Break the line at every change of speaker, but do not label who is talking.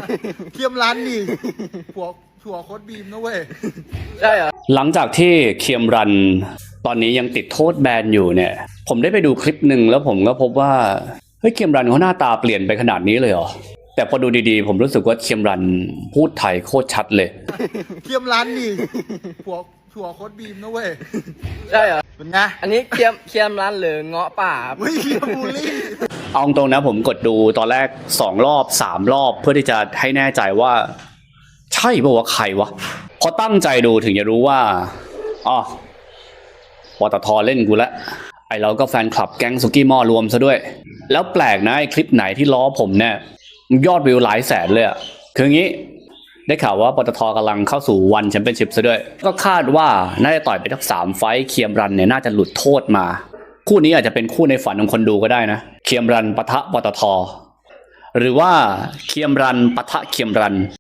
เทียมร้านนี่ผัวโคตรบีมนะเว้ย
ใช่เหรอ
หลังจากที่เคียมรันตอนนี้ยังติดโทษแบนอยู่เนี่ยผมได้ไปดูคลิปหนึ่งแล้วผมก็พบว่าเฮ้ยเคียมรันเขาหน้าตาเปลี่ยนไปขนาดนี้เลยเหรอแต่พอดูดีๆผมรู้สึกว่าเคียมรันพูดไทยโคตรชัดเลย
เทียมร้านนี่ผัวโคตรบีมนะเว้ย
ใช่เหรอ
เป็นไง
อันนี้เคียมร้านหรือเงาะป่า
ไม่เคียมบูลลี่
เอาตรงนะผมกดดูตอนแรก2 รอบ 3 รอบเพื่อที่จะให้แน่ใจว่าใช่ป่าวว่าใครวะพอตั้งใจดูถึงจะรู้ว่าอ๋อปตทเล่นกูละไอเราก็แฟนคลับแก๊งสุกี้หม้อรวมซะด้วยแล้วแปลกนะไอคลิปไหนที่ล้อผมเนี่ยยอดวิวหลายแสนเลยอะคืองี้ได้ข่าวว่าปตทกำลังเข้าสู่วันแชมเปี้ยนชิพซะด้วยก็คาดว่าน่าจะต่อยไปทั้ง3 ไฟท์เคียมรันเนี่ยน่าจะหลุดโทษมาคู่นี้อาจจะเป็นคู่ในฝันของคนดูก็ได้นะเคียมรันปะทะปตทหรือว่าเคียมรันปะทะเคียมรัน